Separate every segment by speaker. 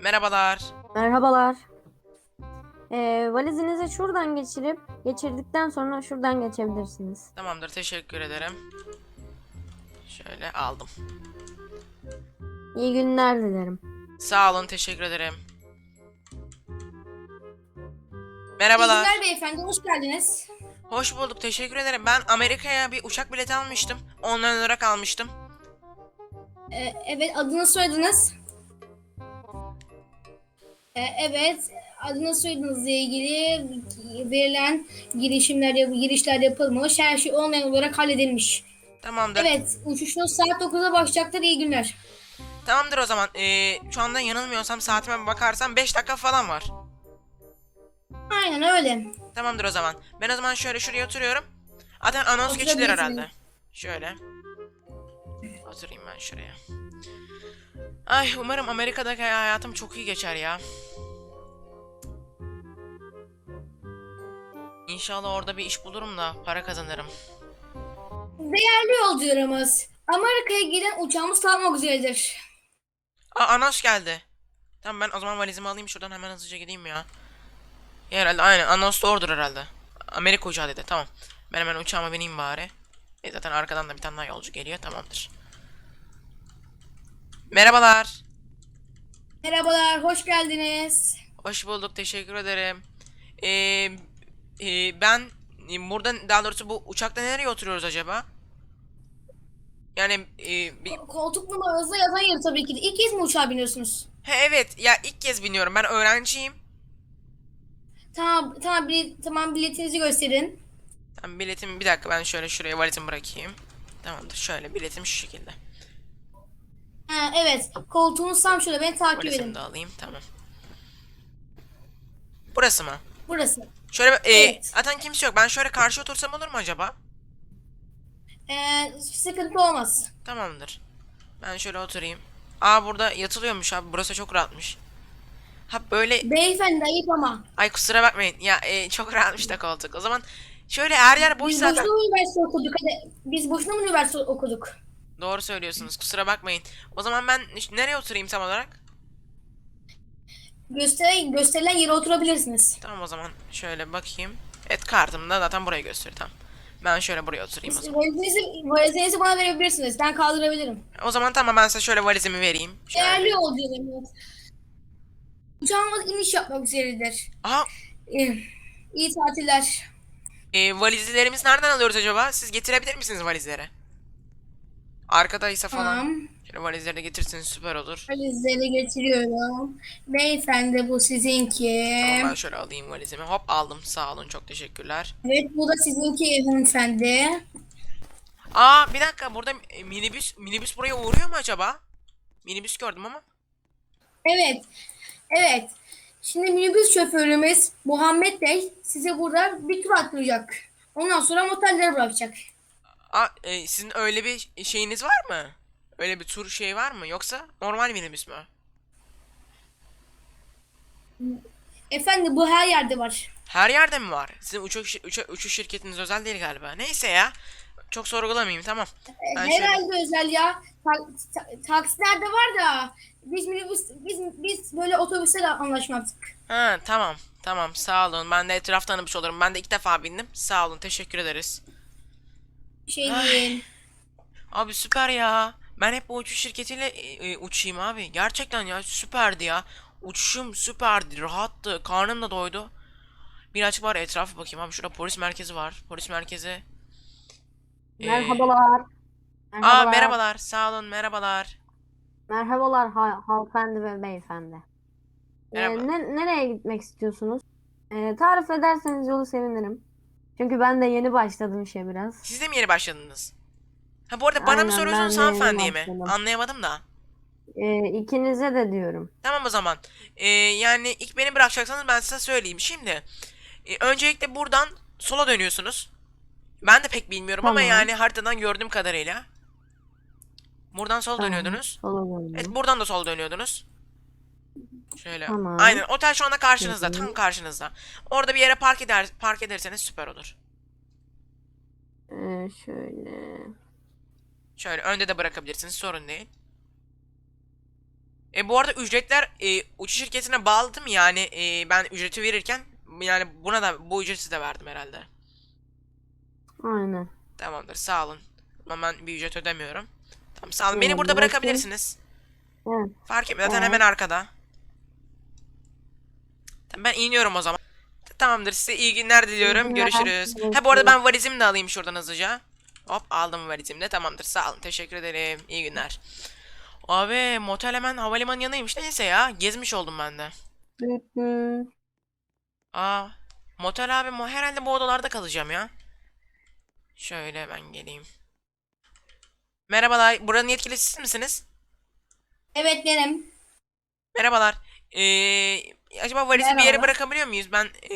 Speaker 1: Merhabalar.
Speaker 2: Merhabalar. Valizinizi şuradan geçirdikten sonra şuradan geçebilirsiniz.
Speaker 1: Tamamdır, teşekkür ederim. Şöyle aldım.
Speaker 2: İyi günler dilerim.
Speaker 1: Sağ olun, teşekkür ederim.
Speaker 3: İyi
Speaker 1: Merhabalar.
Speaker 3: günler beyefendi, hoş geldiniz.
Speaker 1: Hoş bulduk, teşekkür ederim. Ben Amerika'ya bir uçak bileti almıştım. Online olarak almıştım.
Speaker 3: Evet, adını soyadınız. Evet, adını soyadınızla ilgili verilen girişler yapılmış. Her şey online olarak halledilmiş.
Speaker 1: Tamamdır.
Speaker 3: Evet, uçuşunuz saat 9'da başlayacaktır. İyi günler.
Speaker 1: Tamamdır o zaman. Şu anda yanılmıyorsam saatime bir bakarsam 5 dakika falan var.
Speaker 3: Aynen öyle.
Speaker 1: Tamamdır o zaman. Ben o zaman şöyle şuraya oturuyorum. Zaten anons geçilir
Speaker 3: Oturabilirsiniz.
Speaker 1: herhalde. Şöyle. Oturayım ben şuraya. Ay umarım Amerika'daki hayatım çok iyi geçer ya. İnşallah orada bir iş bulurum da para kazanırım.
Speaker 3: Değerli yolcularımız, Amerika'ya giden uçağımız kalkmak üzeredir.
Speaker 1: Aa anons geldi. Tamam ben o zaman valizimi alayım şuradan hemen hızlıca gideyim ya. Ya herhalde aynen anons doğrudur herhalde. Amerika uçağı dedi tamam. Ben hemen uçağıma bineyim bari. Zaten arkadan da bir tane daha yolcu geliyor tamamdır. Merhabalar.
Speaker 3: Merhabalar, hoş geldiniz.
Speaker 1: Hoş bulduk teşekkür ederim. Ee, ben burada daha doğrusu bu uçakta nereye oturuyoruz acaba? Yani bir...
Speaker 3: Koltuk numaranızda yazan yer tabii ki de. İlk kez mi uçağa biniyorsunuz?
Speaker 1: He, evet ya ilk kez biniyorum ben öğrenciyim.
Speaker 3: Tamam, biletinizi gösterin.
Speaker 1: Tamam biletimi bir dakika ben şöyle şuraya valizimi bırakayım. Tamamdır şöyle biletim şu şekilde.
Speaker 3: Ha, evet. Koltuğunuz tam şurada. Beni takip
Speaker 1: Valizimi
Speaker 3: edin.
Speaker 1: de alayım tamam. Burası mı?
Speaker 3: Burası.
Speaker 1: Şöyle
Speaker 3: Evet.
Speaker 1: zaten kimse yok. Ben şöyle karşı otursam olur mu acaba?
Speaker 3: Sıkıntı olmaz.
Speaker 1: Tamamdır. Ben şöyle oturayım. Aa burada yatılıyormuş abi. Burası çok rahatmış. Ha böyle
Speaker 3: Beyefendi ayıp ama.
Speaker 1: ay kusura bakmayın. Ya çok rahatmış da koltuk. O zaman şöyle her yer boş
Speaker 3: Biz boşuna
Speaker 1: zaten.
Speaker 3: mı üniversite okuduk? Hadi. Biz boşuna mı üniversite okuduk?
Speaker 1: Doğru söylüyorsunuz. Kusura bakmayın. O zaman ben nereye oturayım tam olarak?
Speaker 3: Gösterilen yere oturabilirsiniz.
Speaker 1: Tamam o zaman şöyle bakayım. Evet kartımda zaten burayı gösteriyor. Tamam. Ben şöyle buraya oturayım o zaman.
Speaker 3: Valizinizi bana verebilirsiniz. Ben kaldırabilirim.
Speaker 1: O zaman tamam ben size şöyle valizimi vereyim.
Speaker 3: Değerli
Speaker 1: Şöyle.
Speaker 3: yolcularımız. Uçağımız iniş yapmak üzeredir.
Speaker 1: Aha
Speaker 3: Ee, iyi tatiller.
Speaker 1: valizlerimiz nereden alıyoruz acaba? Siz getirebilir misiniz valizleri? Arkadaysa falan.
Speaker 3: Tamam.
Speaker 1: Şöyle valizleri de getirseniz süper olur.
Speaker 3: Valizleri getiriyorum. Beyefendi bu sizinki.
Speaker 1: Tamam ben şöyle alayım valizimi. Hop aldım. Sağ olun çok teşekkürler.
Speaker 3: Evet bu da sizinki hanımefendi.
Speaker 1: Aa bir dakika burada minibüs buraya uğruyor mu acaba? Minibüs gördüm ama.
Speaker 3: Evet, evet. Şimdi minibüs şoförümüz Muhammed Bey size burada bir tur attıracak. Ondan sonra motellere bırakacak.
Speaker 1: Aa sizin öyle bir şeyiniz var mı? Öyle bir tur şey var mı? Yoksa normal minibüs mü?
Speaker 3: Efendim bu her yerde var.
Speaker 1: Her yerde mi var? Sizin uçuş şirketiniz özel değil galiba. Neyse ya. Çok sorgulamayayım tamam. Ben şöyle.
Speaker 3: Herhalde özel ya. Taksilerde var da biz böyle otobüslerle anlaşmazdık.
Speaker 1: Ha tamam. Tamam sağ olun. Ben de etraf tanımış olurum. Ben de ilk defa bindim. Sağ olun. Teşekkür ederiz.
Speaker 3: Bir şey
Speaker 1: Ay,
Speaker 3: değil.
Speaker 1: abi süper ya. Ben hep bu uçuş şirketiyle uçayım abi. Gerçekten ya süperdi ya. Uçuşum süperdi. Rahattı. Karnım da doydu. Birazcık var etrafa bakayım abi. Şurada polis merkezi var. Polis merkezi. E,
Speaker 2: Merhabalar.
Speaker 1: aa
Speaker 2: Merhabalar.
Speaker 1: merhabalar. Sağ olun merhabalar.
Speaker 2: Merhabalar hanımefendi ve beyefendi.
Speaker 1: Merhaba.
Speaker 2: Nereye gitmek istiyorsunuz? Tarif ederseniz yolu sevinirim. Çünkü ben de yeni başladım işe biraz.
Speaker 1: Siz de mi yeni başladınız? Ha bu arada bana mı
Speaker 2: Aynen
Speaker 1: soruyorsunuz
Speaker 2: ben de yeni
Speaker 1: hanımefendiye mi?
Speaker 2: başladım.
Speaker 1: Anlayamadım da.
Speaker 2: İkinize de diyorum.
Speaker 1: Tamam o zaman. Yani ilk beni bırakacaksanız ben size söyleyeyim. Şimdi öncelikle buradan sola dönüyorsunuz. Ben de pek bilmiyorum ama
Speaker 2: Tamam.
Speaker 1: yani haritadan gördüğüm kadarıyla. Buradan sola
Speaker 2: Tamam.
Speaker 1: dönüyordunuz.
Speaker 2: Sola
Speaker 1: Evet
Speaker 2: döndüm.
Speaker 1: buradan da sola dönüyordunuz. Şöyle.
Speaker 2: Tamam.
Speaker 1: Aynen otel şu anda karşınızda. Tam
Speaker 2: Hı.
Speaker 1: karşınızda. Orada bir yere park ederseniz süper olur.
Speaker 2: Şöyle.
Speaker 1: Şöyle önde de bırakabilirsiniz sorun değil. Bu arada ücretler uçuş şirketine bağlı değil mi? Yani ben ücreti verirken yani buna da bu ücreti de verdim herhalde.
Speaker 2: Aynen.
Speaker 1: Tamamdır, sağ olun. Ama ben bir ücret ödemiyorum. Tamam, sağ olun. Beni burada
Speaker 2: Bırakayım.
Speaker 1: bırakabilirsiniz.
Speaker 2: Evet.
Speaker 1: Fark etmez, zaten hemen
Speaker 2: Evet.
Speaker 1: arkada. Tamam, ben iniyorum o zaman. Tamamdır, size iyi günler
Speaker 2: İyi
Speaker 1: diliyorum.
Speaker 2: günler.
Speaker 1: Görüşürüz. Ha, bu arada
Speaker 2: Görüşürüz.
Speaker 1: ben valizimi de alayım şuradan hızlıca. Hop, aldım valizimi de. Tamamdır, sağ olun. Teşekkür ederim. İyi günler. Abi motel hemen havalimanı yanıymış. Neyse ya, gezmiş oldum ben de.
Speaker 2: Hı hı.
Speaker 1: Aa, motel abi, herhalde bu odalarda kalacağım ya. Şöyle ben geleyim. Merhabalar, buranın yetkilisi siz misiniz?
Speaker 3: Evet benim.
Speaker 1: Merhabalar. Acaba valizi bir yere
Speaker 3: Merhabalar.
Speaker 1: bırakabiliyor muyuz?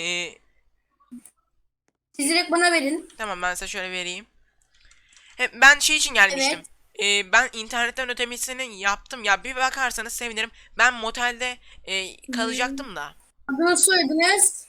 Speaker 3: Siz direkt bana verin.
Speaker 1: Tamam, ben size şöyle vereyim. Ben şey için gelmiştim.
Speaker 3: Evet.
Speaker 1: Ben internetten ödemesini yaptım. Ya bir bakarsanız sevinirim. Ben motelde kalacaktım da.
Speaker 3: Adını soyadınız.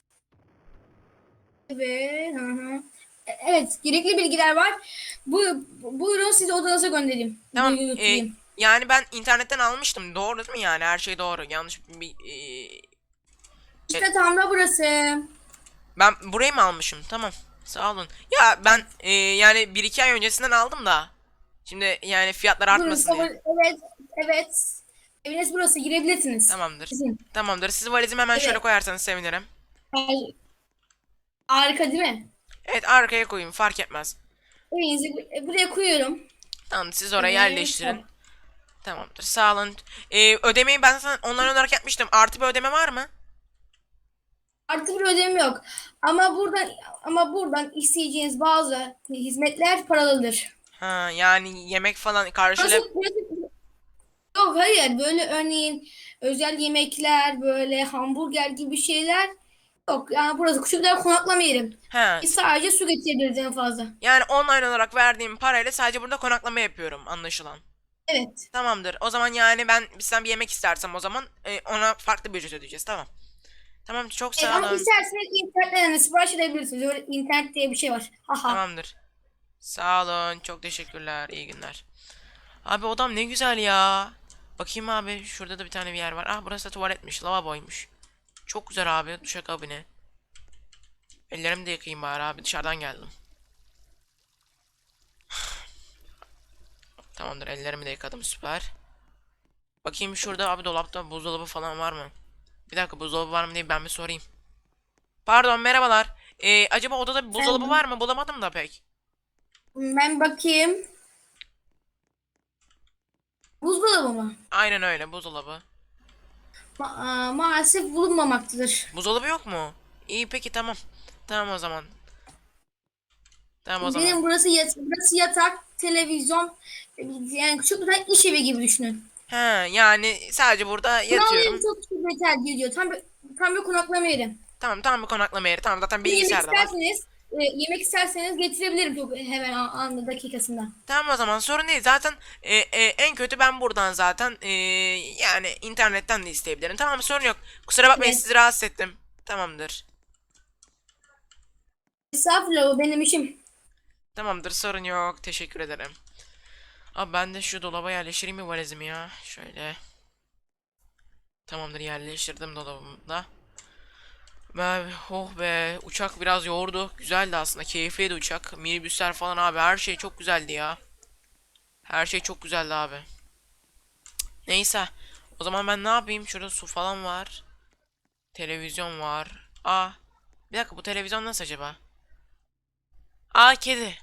Speaker 3: Evet. Hı hı. Evet. Gerekli bilgiler var. Buyurun sizi odanıza göndereyim.
Speaker 1: Tamam.
Speaker 3: Götüreyim.
Speaker 1: Yani ben internetten almıştım. Doğru değil mi yani? Her şey doğru. Yanlış bir...
Speaker 3: İşte tam da burası.
Speaker 1: Ben burayı mı almışım? Tamam. Sağ olun. Ya ben yani bir iki ay öncesinden aldım da. Şimdi yani fiyatlar
Speaker 3: Buyurun.
Speaker 1: artmasın diye.
Speaker 3: Evet. Evet. Eviniz burası. Girebilirsiniz.
Speaker 1: Tamamdır.
Speaker 3: Sizin.
Speaker 1: Tamamdır. Siz valizimi hemen şöyle
Speaker 3: Evet.
Speaker 1: koyarsanız sevinirim.
Speaker 3: Harika değil mi?
Speaker 1: Evet, arkaya koyayım, fark etmez.
Speaker 3: Evinizi buraya koyuyorum.
Speaker 1: Tamam, siz oraya
Speaker 3: Evet.
Speaker 1: yerleştirin. Tamamdır. Sağ olun. Ödemeyi ben sana online olarak yapmıştım. Artı bir ödeme var mı?
Speaker 3: Artı bir ödeme yok. Ama buradan isteyeceğiniz bazı hizmetler paralıdır.
Speaker 1: Ha, yani yemek falan
Speaker 3: Burası,
Speaker 1: karşıla...
Speaker 3: burası yok hayır böyle örneğin özel yemekler böyle hamburger gibi şeyler yok. Yani burası küçükler konaklama yerim.
Speaker 1: Ha,
Speaker 3: Biz sadece su getirebiliriz en fazla.
Speaker 1: yani online olarak verdiğim parayla sadece burada konaklama yapıyorum, anlaşılan.
Speaker 3: Evet.
Speaker 1: Tamamdır. O zaman yani ben bizden bir yemek istersem o zaman ona farklı bir ücret ödeyeceğiz. Tamam. Tamam, çok
Speaker 3: Evet
Speaker 1: sağ
Speaker 3: ama
Speaker 1: olun.
Speaker 3: isterseniz internetten de sipariş edebilirsiniz. Öyle internet diye bir şey var. Haha.
Speaker 1: Tamamdır. Sağ olun. Çok teşekkürler. İyi günler. Abi odam ne güzel ya. Bakayım abi, şurada da bir tane bir yer var. Ah, burası da tuvaletmiş. Lavaboymuş. Çok güzel abi. Duşakabine. Ellerimi de yıkayayım bari abi. Dışarıdan geldim. Tamamdır. Ellerimi de yıkadım. Süper. Bakayım şurada abi, dolapta buzdolabı falan var mı? Bir dakika, buzdolabı var mı diye ben bir sorayım. Pardon, merhabalar. Acaba odada bir buzdolabı var mı? Bulamadım da pek.
Speaker 3: Ben bakayım. Buzdolabı mı?
Speaker 1: Aynen öyle, buzdolabı.
Speaker 3: Maalesef bulunmamaktadır.
Speaker 1: Buzdolabı yok mu? İyi, peki, tamam. Tamam o zaman. Tamam o zaman.
Speaker 3: Benim burası yatak, televizyon, yani küçük bir tane iş evi gibi düşünün.
Speaker 1: He, yani sadece burada
Speaker 3: Kral yeri
Speaker 1: yatıyorum.
Speaker 3: çok küçük bir tercih ediyor. Tam bir konaklama yeri.
Speaker 1: Tamam, tamam, bir konaklama yeri. Tamam, zaten
Speaker 3: Bir de
Speaker 1: bilgisayar da var.
Speaker 3: yemek isterseniz getirebilirim çok hemen anında dakikasında.
Speaker 1: Tamam o zaman, sorun değil. Zaten en kötü ben buradan zaten yani internetten de isteyebilirim. Tamam, sorun yok. Kusura bakmayın,
Speaker 3: Evet.
Speaker 1: sizi rahatsız ettim. Tamamdır.
Speaker 3: Estağfurullah o benim işim.
Speaker 1: Tamamdır, sorun yok. Teşekkür ederim. Abi ben de şu dolaba yerleştireyim mi valizimi ya? Şöyle. Tamamdır, yerleştirdim dolabımda. Oh be, uçak biraz yordu. Güzeldi aslında, keyifliydi uçak. Minibüsler falan abi, her şey çok güzeldi ya. Her şey çok güzeldi abi. Neyse. O zaman ben ne yapayım? Şurada su falan var. Televizyon var. Bir dakika, bu televizyon nasıl acaba? Kedi.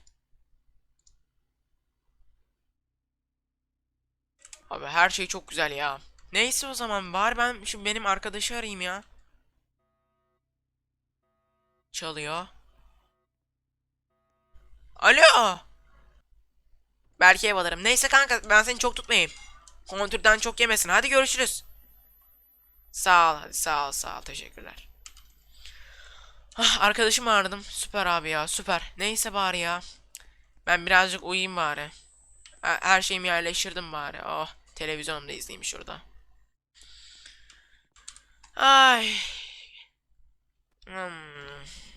Speaker 1: Abi her şey çok güzel ya. Neyse o zaman bari ben şimdi benim arkadaşı arayayım ya. Çalıyor. Alo. Belki ev alırım. Neyse kanka, ben seni çok tutmayayım. Kontürden çok yemesin. Hadi görüşürüz. Sağ ol, hadi sağ ol, sağ ol, teşekkürler. Arkadaşımı aradım. Süper abi ya, süper. Neyse bari ya. Ben birazcık uyuyayım bari. Her şeyimi yerleştirdim bari. Oh, televizyonumu da izleyeyim şurada. Ay. Hmm.